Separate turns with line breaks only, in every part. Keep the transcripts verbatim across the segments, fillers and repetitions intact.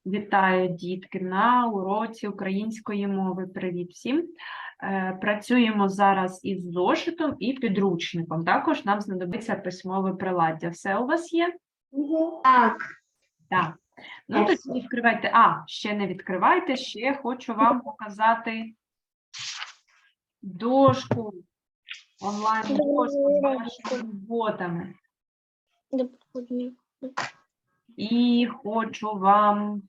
Вітаю, дітки, на уроці української мови. Привіт всім. Е, Працюємо зараз із зошитом і підручником. Також нам знадобиться письмове приладдя. Все у вас є?
Так.
Так. Ну, тоді відкривайте. А, ще не відкривайте, ще хочу вам показати дошку, онлайн-дошку з вашими роботами. І хочу вам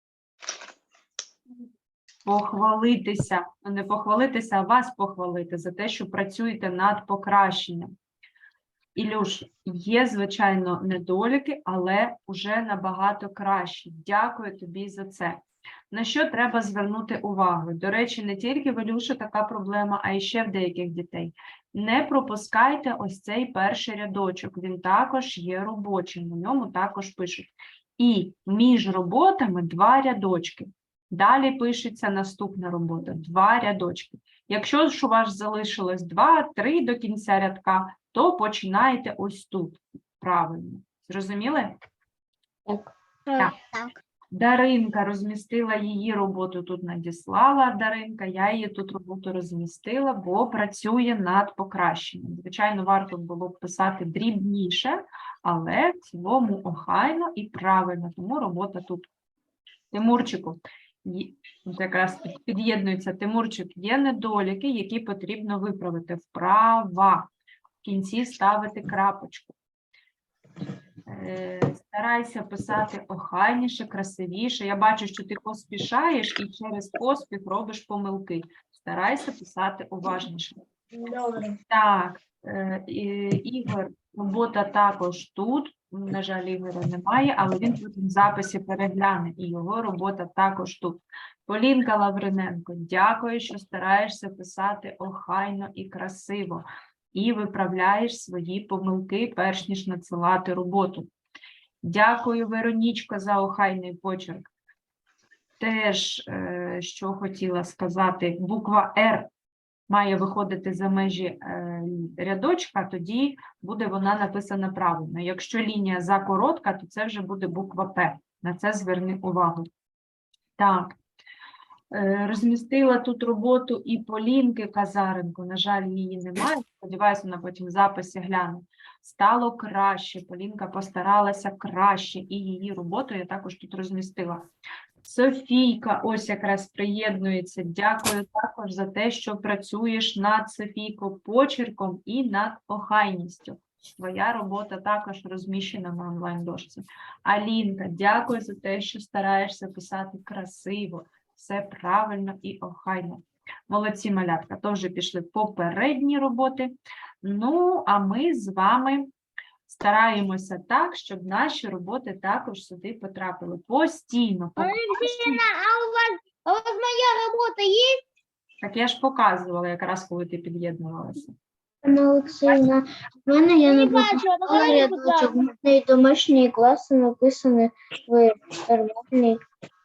похвалитися, ну, не похвалитися, а вас похвалити за те, що працюєте над покращенням. Ілюш, є, звичайно, недоліки, але вже набагато краще. Дякую тобі за це. На що треба звернути увагу? До речі, не тільки в Ілюші така проблема, а й ще в деяких дітей. Не пропускайте ось цей перший рядочок, він також є робочим, на ньому також пишуть. І між роботами два рядочки. Далі пишеться наступна робота, два рядочки. Якщо ж у вас залишилось два-три до кінця рядка, то починаєте ось тут, правильно. Зрозуміли?
Так.
Так.
Так.
Даринка розмістила її роботу, тут надіслала Даринка, я її тут роботу розмістила, бо працює над покращенням. Звичайно, варто було б писати дрібніше, але в цілому охайно і правильно, тому робота тут. Тимурчику, якраз під'єднується Тимурчик, є недоліки, які потрібно виправити. Вправа. В кінці ставити крапочку. Старайся писати охайніше, красивіше. Я бачу, що ти поспішаєш і через поспіх робиш помилки. Старайся писати уважніше.
Добре.
Так, Ігор, робота також тут. На жаль, Ігоря немає, але він тут в записі перегляне, і його робота також тут. Полінка Лавриненко, дякую, що стараєшся писати охайно і красиво. І виправляєш свої помилки, перш ніж надсилати роботу. Дякую, Веронічко, за охайний почерк. Теж, е, що хотіла сказати, буква «Р» має виходити за межі е, рядочка, тоді буде вона написана правильно. Якщо лінія закоротка, то це вже буде буква «П». На це зверни увагу. Так. Розмістила тут роботу і Полінки Казаренко, на жаль, її немає, сподіваюся, вона потім в записі гляне. Стало краще, Полінка постаралася краще, і її роботу я також тут розмістила. Софійка ось якраз приєднується, дякую також за те, що працюєш над, Софійко, почерком і над охайністю. Твоя робота також розміщена на онлайн-дошці. Алінка, дякую за те, що стараєшся писати красиво. Все правильно і охайно. Молодці, малятка, то вже пішли попередні роботи. Ну, а ми з вами стараємося так, щоб наші роботи також сюди потрапили. Постійно.
А у вас, а у вас моя робота є?
Так я ж показувала якраз, коли ти під'єднувалася.
Анна Олексіївна, в мене я не пропустила рядочок, в мене і домашні класи написані в нормальній.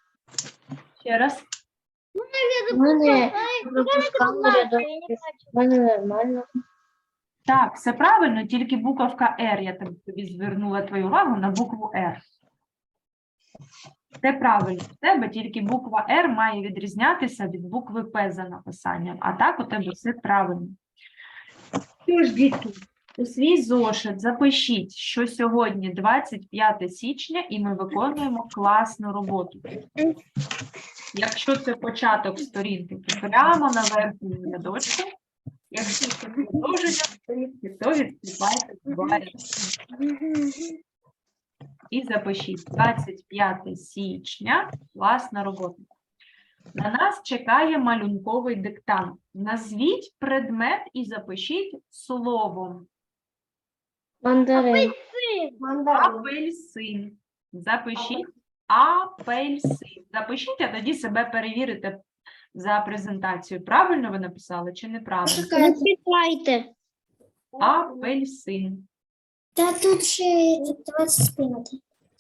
Ще раз.
В мене пропускали рядочки, в мене нормально.
Так, все правильно, тільки буковка «Р», я тобі звернула твою увагу на букву «Р». Це правильно, в тебе тільки буква «Р» має відрізнятися від букви «П» за написанням, а так у тебе все правильно. Що ж, дітки, у свій зошит запишіть, що сьогодні двадцять п'яте січня і ми виконуємо класну роботу. Якщо це початок сторінки, то прямо на верхньому рядочку. Якщо це продовження сторінки, то відкривайте два рядки. І запишіть двадцять п'яте січня, класна робота. На нас чекає малюнковий диктант. Назвіть предмет і запишіть словом.
Мандарин.
Апельсин. Запишіть апельсин. Запишіть, а тоді себе перевірите за презентацію. Правильно ви написали чи неправильно?
Читайте.
Апельсин.
Та тут ще двадцять п'яте.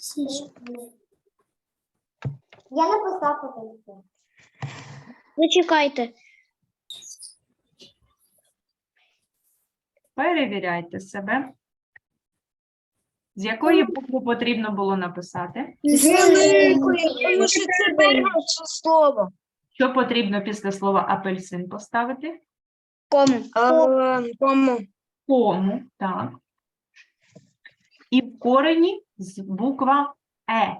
Я написав апельсин.
Зачекайте.
Перевіряйте себе. З якої букви потрібно було написати?
З великої, тому що це перше слово.
Що потрібно після слова апельсин поставити?
Кому? Кому?
Кому, так. І в корені з- буква Е.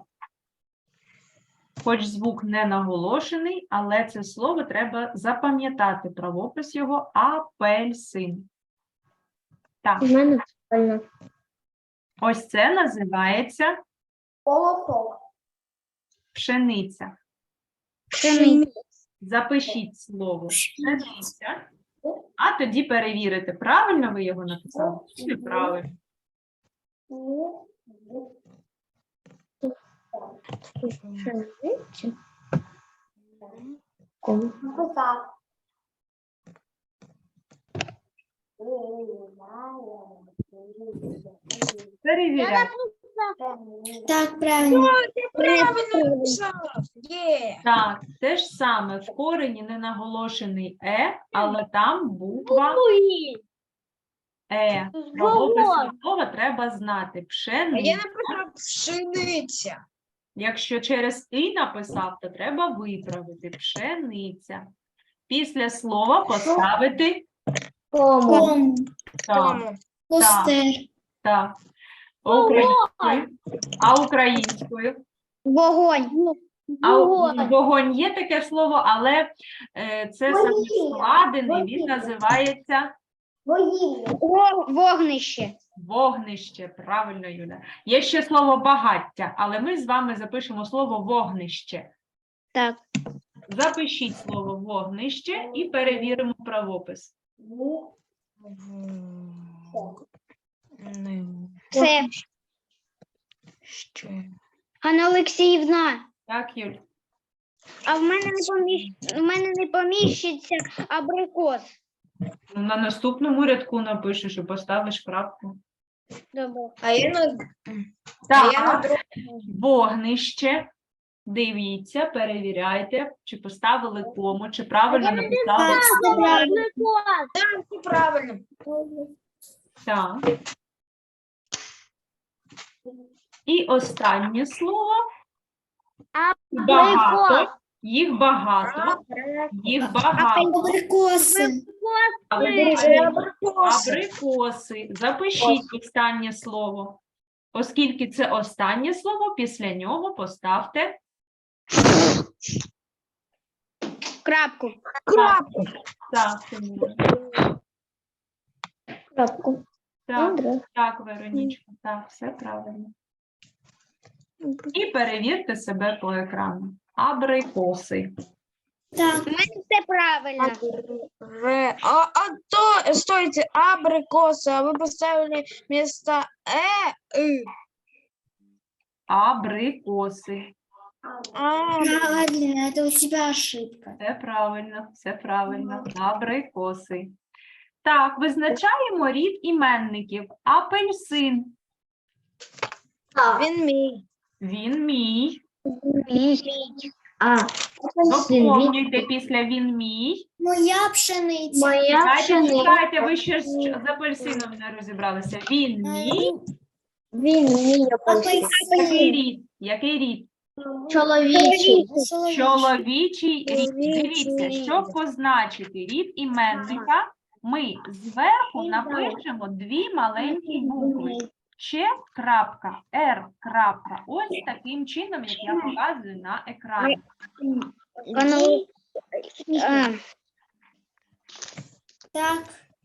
Хоч звук не наголошений, але це слово треба запам'ятати. Правопис його апельсин. Так,
У мене правильно.
ось це називається
Колосок.
пшениця.
Пшениця.
Запишіть слово пшениця, а тоді перевірите, правильно ви його написали чи неправильно.
Пшениця. Кому?
Перевіряйте.
Так, правильно. Правильно написав. Є.
Так, те ж саме, в корені не наголошений Е, але там буква Е. Правопис слова треба знати. Пшениця.
написав пшениця.
Якщо через «і» написав, то треба виправити. Пшениця. Після слова поставити
Кому?
так, так. Українською. А українською?
Вогонь.
А у- вогонь є таке слово, але е, це саме складений, він називається
Вогнище.
вогнище. Правильно, Юля. Є ще слово багаття, але ми з вами запишемо слово вогнище.
Так.
Запишіть слово вогнище і перевіримо правопис.
Це. Ганна Олексіївна,
Так, Юль?
а в мене не поміщ... в мене не поміщиться абрикос.
Ну, на наступному рядку напишеш і поставиш крапку.
Добре.
А я на
Так, вогнище. Дивіться, перевіряйте, чи поставили кому, чи правильно написали.
правильно.
Так. І останнє слово. Багато. Їх багато. Їх багато.
Абрикоси.
Абрикоси. Запишіть останнє слово. Оскільки це останнє слово, після нього поставте
Крапку.
крапку. Так, Тимур.
Крапку.
Так,
Добре.
так, Веронічка, так, все правильно. І перевірте себе по екрану. Абрикоси.
Так. У мене все правильно.
Ре- А, а то, стойте, абрикоса, а вы поставили вместо э, и.
Абрикоси.
А,
Правильно, это у тебя ошибка.
Все правильно, все правильно. Абрикоси. Так, визначаємо рід іменників. Апельсин.
він мій.
Він мій.
А, апельсин. Він-
Доповнюйте після він мій.
Моя пшениця.
Моя
Чекайте,
пшениця.
чекайте, ви ще з з апельсином не розібралися. Він мій.
Він мій апельсин.
Який рід? Який рід?
Чоловічий.
Чоловічий рід.
Чоловічий
Дивіться,
рід.
щоб позначити рід іменника, ми зверху напишемо дві маленькі букви. Ч крапка, Р крапка. Ось таким чином, як я показую на екрані.
Так.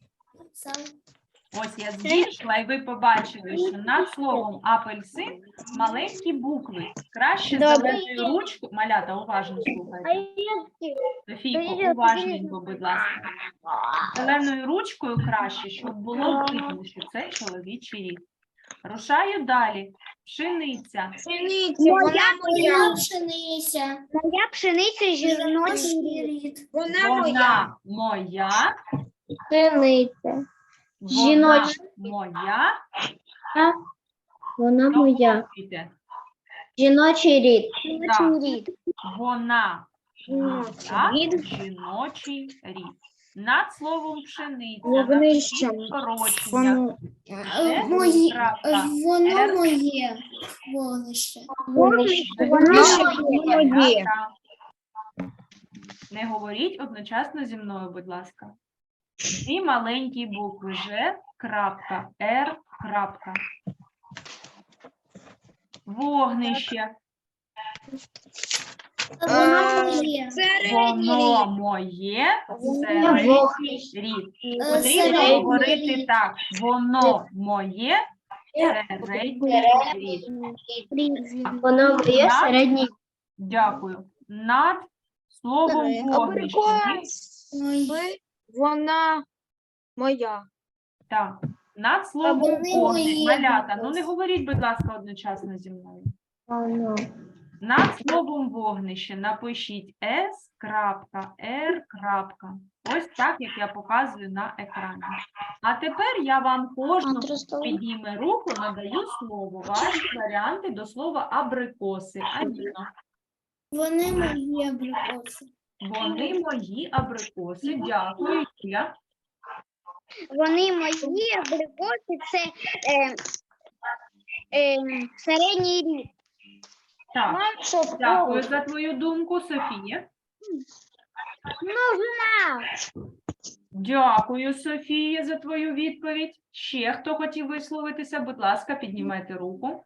Ось я збільшила, і ви побачили, що над словом апельсин маленькі букви. Краще
Добре.
зеленою ручкою. Малята, уважно слухайте. Софійко, уважненько, будь ласка. Зеленою ручкою краще, щоб було видно, що це чоловічий рід. Рушаю далі. Пшениця.
Пшениця, вона моя.
пшениця. Моя пшениця жіночий рід.
Вона моя.
Вона моя.
Пшениця.
Вона
Жіноча.
моя.
Вона моя.
Доповнюйте.
Жіночий рід.
Так.
рід.
Вона моя.
Рід.
Жіночий рід. Над словом пшениця,
Вогнище.
напишіть скорочення.
Воно.
Е,
Мої,
крапка,
воно
Р.
моє вогнище.
Вогнище
Крапка,
моє.
крапка. Не говоріть одночасно зі мною, будь ласка. Дві маленькі букви Ж, крапка, Р, крапка. Вогнище.
Воно моє.
Воно моє середній
Вогнище.
рід.
Е,
Потрібно
середній
говорити
рід.
так. Воно моє середній рід.
Воно моє
Над-
середній.
Дякую. Над словом вогнище.
Мої.
Вона моя.
Так. Над словом
вони
вогнище.
мої.
Малята, ну не говоріть, будь ласка, одночасно зі мною.
Воно.
Над словом вогнище напишіть С, крапка, Р, крапка. Ось так, як я показую на екрані. А тепер я вам кожному підніме руку, надаю слово. Ваші варіанти до слова абрикоси. Аліна.
Вони мої абрикоси.
Вони мої абрикоси. Дякую. Юля.
Вони мої абрикоси, це е, е, середній рід.
Так, дякую за твою думку, Софія.
Множина.
Дякую, Софія, за твою відповідь. Ще хто хотів висловитися, будь ласка, піднімайте руку.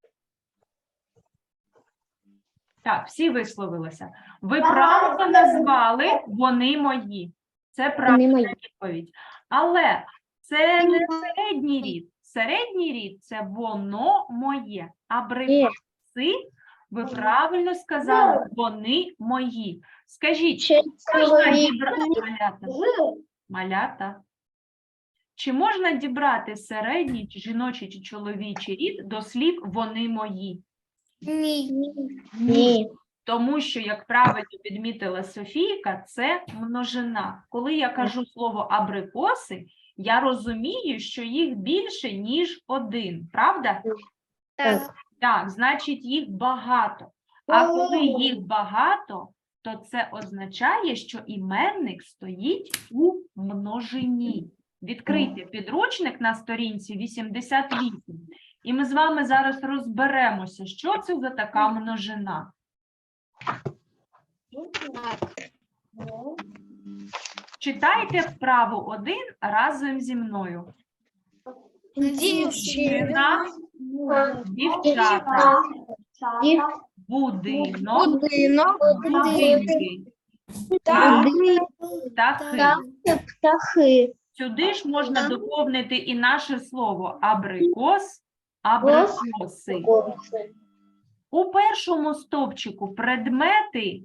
Так, всі висловилися. Ви правильно назвали «вони мої». Це правильна
мої.
відповідь. Але це не середній рід. Середній рід – це «воно моє». Абрикоси, ви правильно сказали, «вони мої». Скажіть,
Ще
можна
чоловік.
дібрати малята? Малята. Чи можна дібрати середній, чи жіночий, чи чоловічий рід до слів «вони мої»?
Ні.
Ні.
Тому що, як правильно підмітила Софійка, це множина. Коли я кажу слово абрикоси, я розумію, що їх більше, ніж один. Правда?
Так.
Так, значить, їх багато. А коли їх багато, то це означає, що іменник стоїть у множині. Відкрийте підручник на сторінці вісімдесят вісім, і ми з вами зараз розберемося, що це за така множина. Читайте вправу один разом зі мною.
Дівчина.
Дівчата, будинок,
Будинок.
будинки,
Так.
птахи.
Птахи.
Сюди ж можна доповнити і наше слово абрикос, абрикоси. У першому стовпчику предмети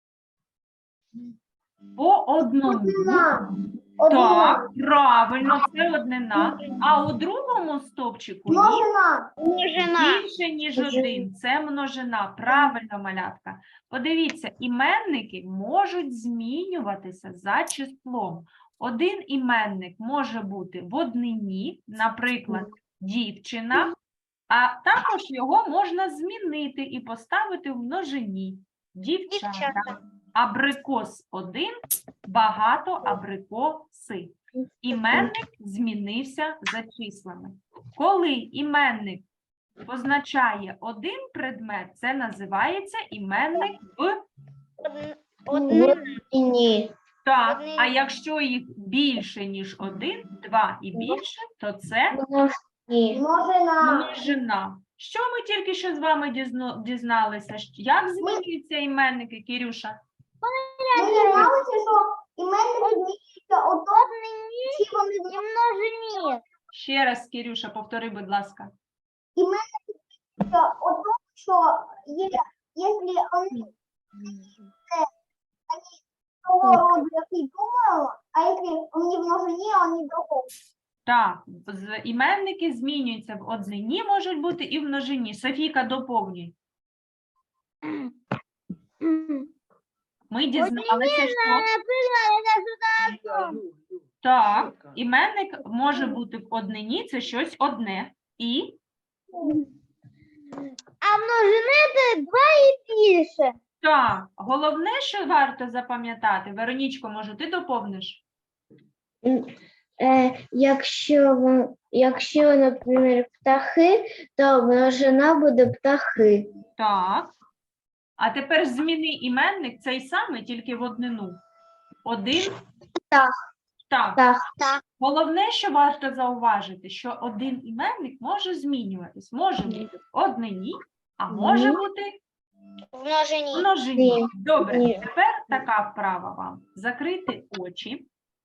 по одному. Так, правильно, це однина. А у другому стовпчику їх
Множина.
більше, ніж один. Це множина. Правильно, малятка. Подивіться, іменники можуть змінюватися за числом. Один іменник може бути в однині, наприклад, дівчина, а також його можна змінити і поставити в множині. Дівчата.
Дівчата.
Абрикос один, багато абрикоси. Іменник змінився за числами. Коли іменник позначає один предмет, це називається іменник в
Однина.
Ні.
так.
Однині.
А якщо їх більше, ніж один, два і більше, то це
Ні.
множина. Що ми тільки що з вами дізно- дізналися? Щ- Як змінюються іменники, Кірюша?
І множині.
Ще раз, Кірюша, повтори, будь ласка.
Что е- если они э, они того рода, как и думаю, а если он не в множине, он не другого.
Так, з- іменники змінюються в однині, можуть бути і в множині. Софійка, доповнюй. Ми дізналися, що так, іменник може бути в однині, це щось одне. І
А множини це два і більше.
так, головне, що варто запам'ятати, Веронічко, може, ти доповниш?
М, Е, якщо, вон- якщо, наприклад, птахи, то множина буде птахи.
Так. А тепер зміни іменник цей самий, тільки в однину. Один
Так.
так.
Так.
Головне, що варто зауважити, що один іменник може змінюватись. Може бути в однині, а може
Ні.
бути
В множині.
в множині.
Ні.
Добре,
Ні.
тепер така вправа вам. Закрити очі,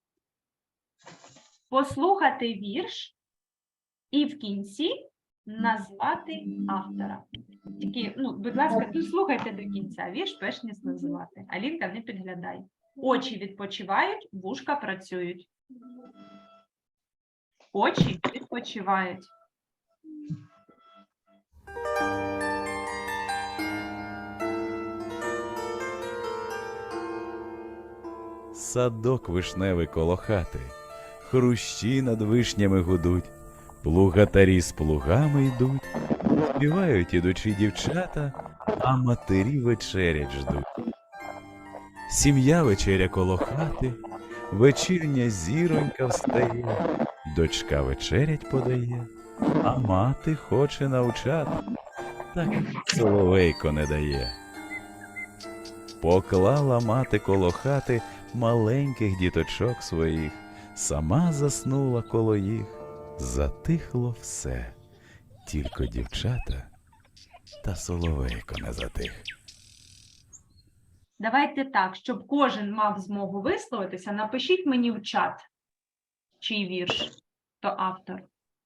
послухати вірш і в кінці назвати автора. Тільки, ну, будь ласка, слухайте до кінця вірш, перш ніж називати. Алінка, не підглядай. Очі відпочивають, вушка працюють. Очі відпочивають.
Садок вишневий коло хати, хрущі над вишнями гудуть, плугатарі з плугами йдуть, співають ідучі дівчата, а матері вечерять ждуть. Сім'я вечеря коло хати, вечірня зіронька встає, дочка вечерять подає, а мати хоче навчати, так соловейко не дає. Поклала мати коло хати маленьких діточок своїх, сама заснула коло їх, затихло все, тільки дівчата та соловейко не затих.
Давайте так, щоб кожен мав змогу висловитися, напишіть мені в чат, чий вірш, то автор.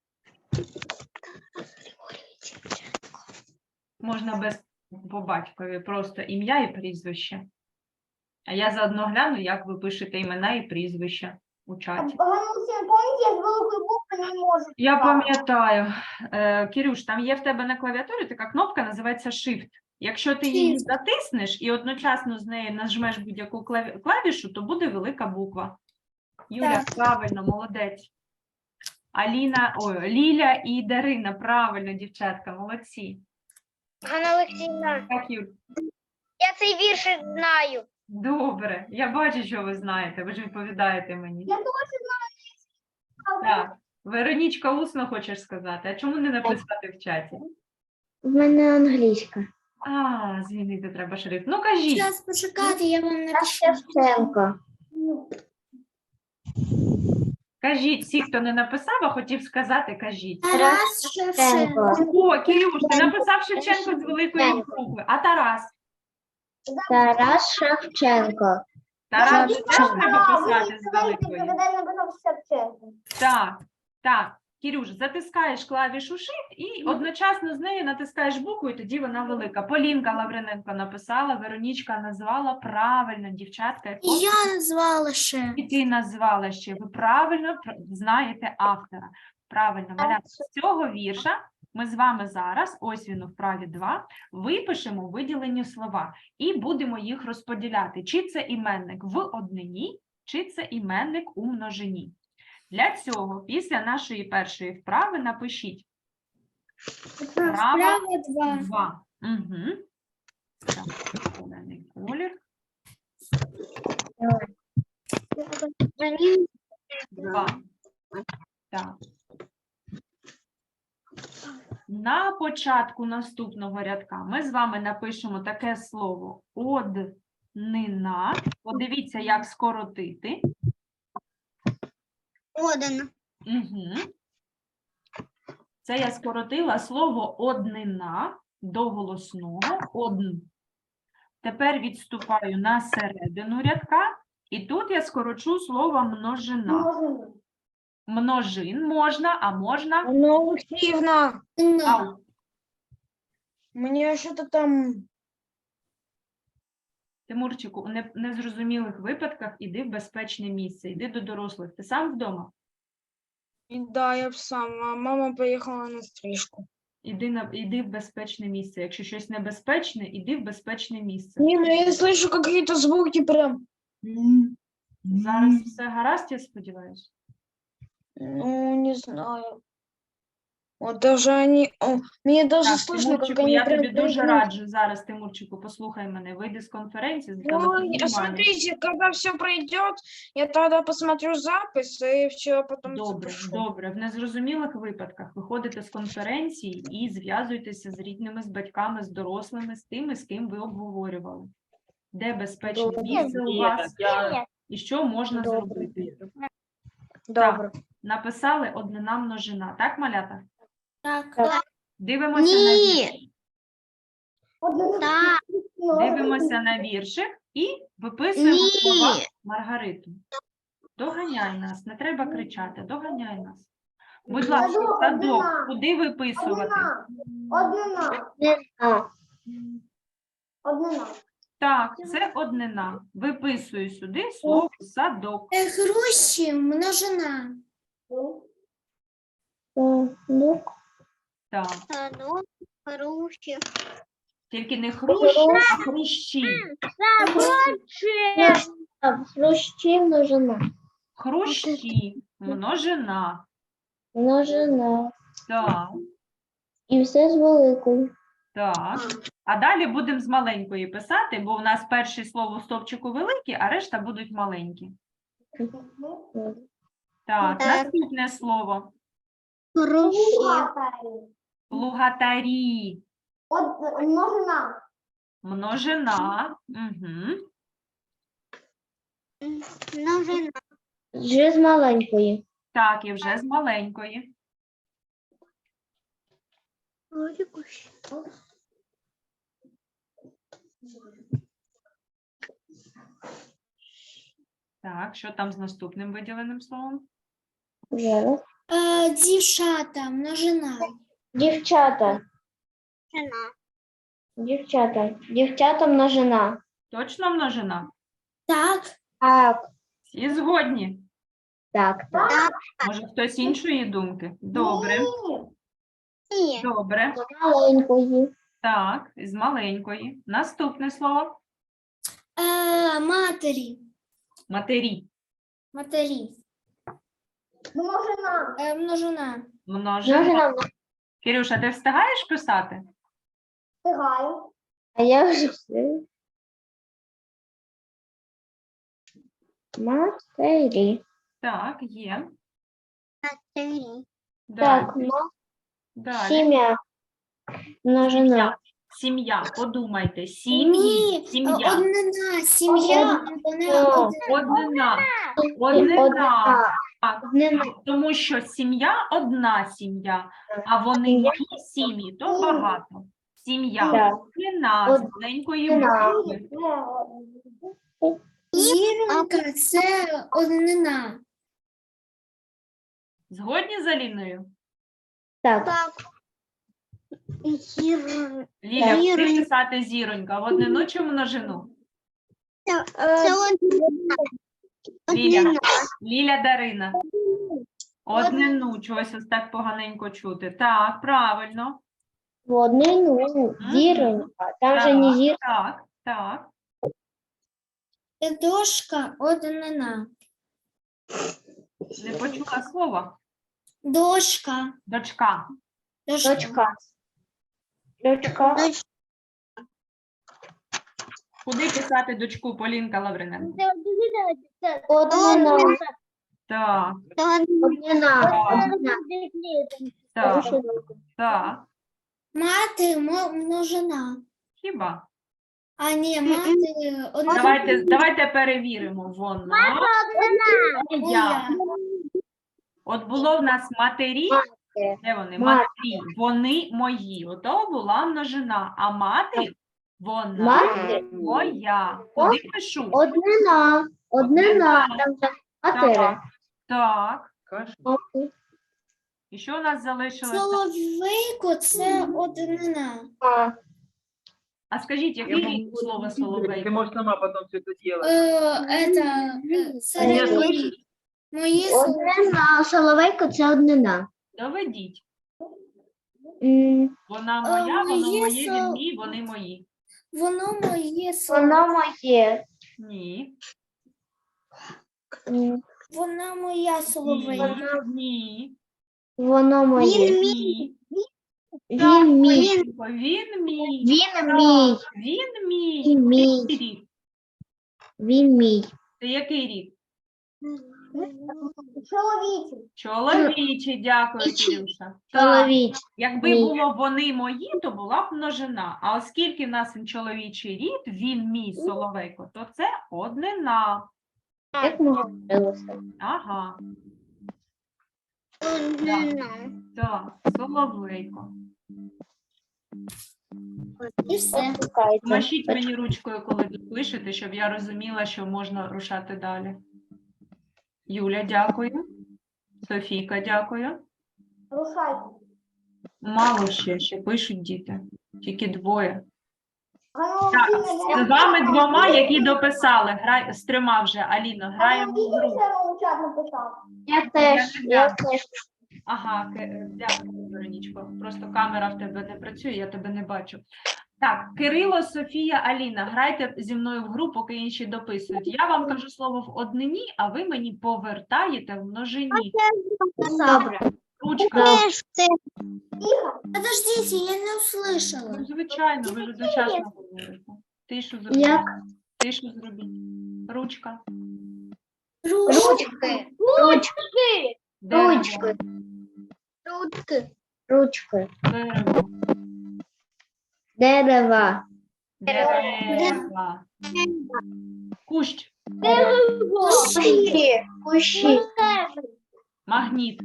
Можна без по батькові, просто ім'я і прізвище. А я заодно гляну, як ви пишете імена і прізвища у чаті.
Ганусин, помните, я с великої букви не можу.
Я
писати.
пам'ятаю. Е, Кирюш, там є в тебе на клавіатурі така кнопка, називається Shift. Якщо ти її затиснеш і одночасно з нею нажмеш будь-яку клаві- клавішу, то буде велика буква. Юля, правильно, молодець. Аліна, ой, Ліля і Дарина, правильно, дівчатка, молодці.
Ганна Олексійовна,
Так, Юль,
я цей вірш знаю.
добре. Я бачу, що ви знаєте, ви ж відповідаєте мені.
Я точно знаю.
Так, Веронічка, усно хочеш сказати, а чому не написати в чаті?
В мене англійська.
А, змінити треба шрифт. Ну, кажіть.
Зараз почекати, я вам
Тарас
напишу.
Шевченко.
Кажіть, всі, хто не написав, а хотів сказати, кажіть.
Тарас Шевченко.
О, Кирюш, ти написав Шевченко з великої букви. А Тарас?
Тарас Шевченко.
Тарас теж
Шевченко.
треба
А, ви
писати з
сказали,
великої.
когда я написав Шевченко.
Так, так. Кирюш, затискаєш клавішу Shift і одночасно з нею натискаєш букву, і тоді вона велика. Полінка Лавриненко написала, Веронічка назвала правильно, дівчатка. як
І я назвала ще.
І ти назвала ще. Ви правильно пр- знаєте автора. Правильно, малята. З цього вірша ми з вами зараз, ось він у вправі два, випишемо виділені слова і будемо їх розподіляти. Чи це іменник в однині, чи це іменник у множині. Для цього після нашої першої вправи напишіть вправа
Справа два.
два. Угу. Так, зелений колір. Два. Так. На початку наступного рядка ми з вами напишемо таке слово однина. Подивіться, як скоротити.
Один.
Угу. Це я скоротила слово однина до голосного одн. Тепер відступаю на середину рядка, і тут я скорочу слово множина.
Можна.
Множин можна, а можна.
Анна Олексіївна,
Ау.
мені що-то там.
Тимурчику, у не- незрозумілих випадках іди в безпечне місце, іди до дорослих. Ти сам вдома?
І да, я б сам, а мама поїхала на стрижку.
Іди, на, іди в безпечне місце. Якщо щось небезпечне, іди в безпечне місце.
Не, ну я слышу какие-то звуки прям. М,
Зараз все гаразд, я сподіваюся.
Ну, не знаю. Вот даже они, о, мне даже
Так,
слышно, как
Тимурчику,
они
я
прям
тобі дуже
прыгают.
раджу зараз, Тимурчику, послухай мене, вийди з конференції,
Ой,
зателефонуй
а
мамі.
смотрите, когда все пройдет, я тогда посмотрю запись и все потом
Добре,
запишу.
добре. В незрозумілих випадках виходите з конференції і зв'язуйтеся з рідними, з батьками, з дорослими, з тими, з ким ви обговорювали. Де безпечне
Добре.
місце у вас і що можна
Добре.
зробити.
Добре.
Написали однина множина. Так, малята?
Так.
Дивимося на віршик.
Так.
Дивимося на віршик і виписуємо слова Маргариту. Доганяй нас, не треба кричати, доганяй нас. Будь ласка,
Садок,
садок,
однина.
куди виписувати?
Однина. Однина.
А,
Однина.
Так.
Так, це однина. Виписую сюди слово садок.
Е, Груші множина.
ну,
Так,
Садок, груші.
тільки не хрущі, а хрущі.
а, хрущі множина.
Хрущі, множина.
Множина.
Так,
І все з великою.
так. А далі будемо з маленької писати, бо у нас перше слово в стовпчику великі, а решта будуть маленькі. Так,
Так.
наступне слово.
Груші.
Плугатарі.
Од- Множина.
Множина. Угу.
Множина.
Вже з маленької.
Так, і вже з маленької. Так, що там з наступним виділеним словом?
Зараз.
Е, Дівчата множина.
Дівчата.
Множина.
Дівчата. Дівчата множина.
Точно множина?
Так.
Так,
Всі згодні?
так, так.
Може, хтось іншої думки? Добре,
Ні.
добре.
З маленької.
Так, з маленької. Наступне слово.
Е, Матері.
Матері.
Матері.
Множина.
Е, Множина.
Множина.
Множина.
Кирюша, ти встигаєш писати?
Встигаю.
А я вже все. Матері.
Так, є.
Матері.
Далі.
Так, ну,
Далі.
сім'я. Множина.
Сім'я. Подумайте. Сім'ї.
Ні. е,
Сім'я.
Однина. Сім'я. Однина.
О,
Однина. Однина.
Однина.
Так.
Однина.
Тому що сім'я одна сім'я, а вони мої сім'ї, то багато. Сім'я.
Так.
Однина з
Од-
маленької
Однина.
букви.
Зіронька – це однина.
Згодні з Аліною?
Так.
Так. Гір...
Ліля, куди
Зіронька.
писати зіронька? В однину чи в множину?
Це однина.
Ліля.
Однина.
Ліля Дарина. Однину, чогось ось так поганенько чути. Так, правильно.
В однину. Зіронька. Там же не зіронька.
Так, так.
Дошка – однина.
Не почула слова.
Дошка.
Дочка.
Дошка.
Дочка. Дочка.
Куди писати дочку Полінка Лавриненко?
Однина.
Так,
Однина. Однина.
так, так.
Мати мо- множина.
Хіба?
А ні, мати однина.
Давайте, давайте перевіримо. Вона, я. От було в нас матері. Де вони? Матері. Вони мої. Ото була множина. А мати, вона
Мати.
моя. Куди пишу?
Однина. Однина. Там же матері.
Так, так.
Мати.
І що у нас залишилося?
Соловейко – це однина.
А,
А скажіть, яке рік слово
Ты
соловейко?
можешь сама потом все это делать.
Е, это, е, це
Ні,
мої- мої слова.
Однина. Соловейко – це однина.
Доведіть.
М,
Вона
Е,
моя, воно
моє
моє, він
сол-
мій, вони мої.
Воно моє слово.
Воно моє.
Ні.
М,
Вона моя соловейко.
Ні. Ні.
Воно моє.
Він
Ні.
Він
Так,
мій.
Полінко, він мій.
Він
Так,
мій.
Він мій.
Він мій.
Який рік?
Він мій.
Це який рік?
Чоловічий.
Чоловічий, дякую, Кирюша. Так,
Чоловіч.
якби
мій.
було вони мої, то була б множина. А оскільки в нас він чоловічий рід, він мій Соловейко, то це однина.
Як ми говорилися?
Ага,
однина.
так, Соловейко.
І все.
Почекайте.
Машіть мені ручкою, коли тут пишете, щоб я розуміла, що можна рушати далі. Юля, дякую. Софійка, дякую.
Рушайте.
Мало ще, ще пишуть діти. Тільки двоє.
Ганна
Так,
Олексіївна,
з вами двома, які дописали. Грай, з трьома вже, Аліно,
Ганна
граємо в
Олексіївна
гру.
ще у чат написав.
Я теж.
Я
Я
не
теж.
Ага, Ки- дякую, Веронічко. Просто камера в тебе не працює, я тебе не бачу. Так, Кирило, Софія, Аліна, грайте зі мною в гру, поки інші дописують. Я вам кажу слово в однині, а ви мені повертаєте в множині.
Добре.
Ручка.
Тихо.
Подождите, я не услышала.
Ну, звичайно, ви ж одночасно говорите. Тишу зробіть.
Як?
Тишу зробіть. Ручка.
Ручки. Ручки.
Дерево.
Ручки. Ручки. Ручки.
Дерево.
Дерева.
Дерева. Кущ.
Кущі. Кущі.
Магніт.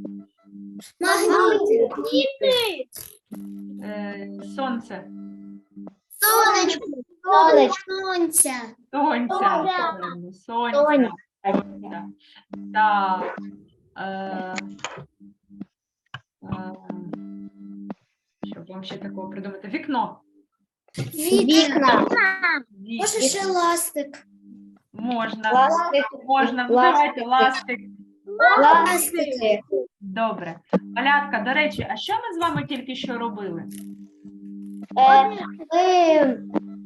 Магніт.
Е, сонце.
Сонечко.
Сонечко.
Сонця.
Сонця.
Сонця.
правильно, Сонця.
Сонця.
Сонця. Так. Е, е, що вам ще такого придумати? Вікно.
Вікна.
Вік-
Може ще ластик.
Можна.
Ластик.
Можна. Ну,
Ластик.
давайте ластик.
Ластики.
Добре. Малятка, до речі, а що ми з вами тільки що робили?
Е, ви-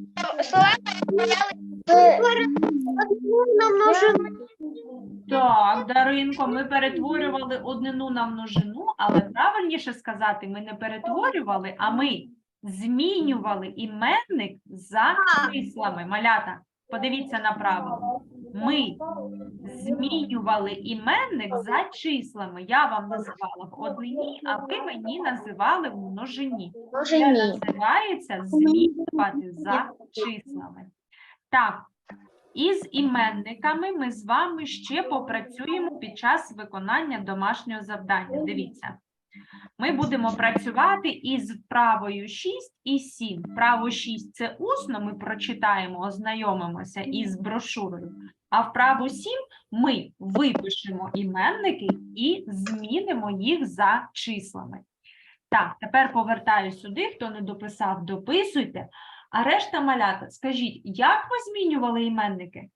Так, Даринко, ми перетворювали однину на множину, але правильніше сказати, ми не перетворювали, а ми змінювали іменник за числами. Малята, подивіться на правило. Ми змінювали іменник за числами. Я вам називала в однині, а ви мені називали в множині.
Може
Це
ні.
називається змінювати за числами. Так, із іменниками ми з вами ще попрацюємо під час виконання домашнього завдання. Дивіться. Ми будемо працювати із вправою шість і сім. Вправу шість – це усно, ми прочитаємо, ознайомимося із брошурою. А вправу сім ми випишемо іменники і змінимо їх за числами. Так, тепер повертаю сюди, хто не дописав, дописуйте. А решта малята, скажіть, як ви змінювали іменники?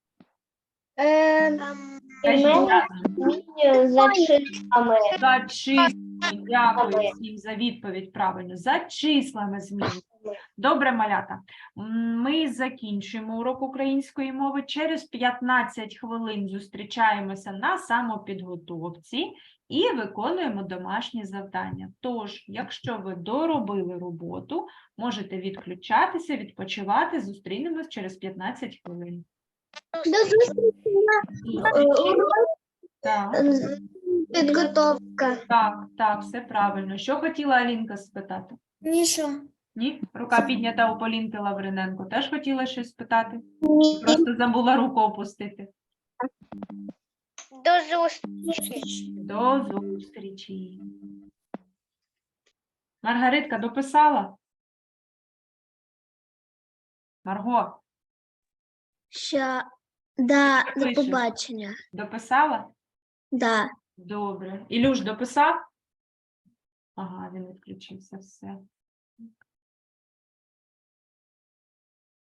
Е,
Скажіть,
Іменники
як?
змінюю за числами.
За числами. Дякую всім за відповідь правильно. За числами змінюємо. Добре, малята. М, Ми закінчуємо урок української мови. Через п'ятнадцять хвилин зустрічаємося на самопідготовці і виконуємо домашні завдання. Тож, якщо ви доробили роботу, можете відключатися, відпочивати. Зустрінемось через п'ятнадцять хвилин. Так,
Підготовка.
так, так, все правильно. Що хотіла Алінка спитати?
Нічого.
Ні? Рука піднята у Полінки Лавриненко. Теж хотіла щось спитати? Просто забула руку опустити.
До зустрічі.
До зустрічі. Маргаритка, дописала? Марго,
Ща, да,
Що пишеш?
побачення.
дописала?
Да.
Добре. Ілюш, дописав? Ага, він відключився, все.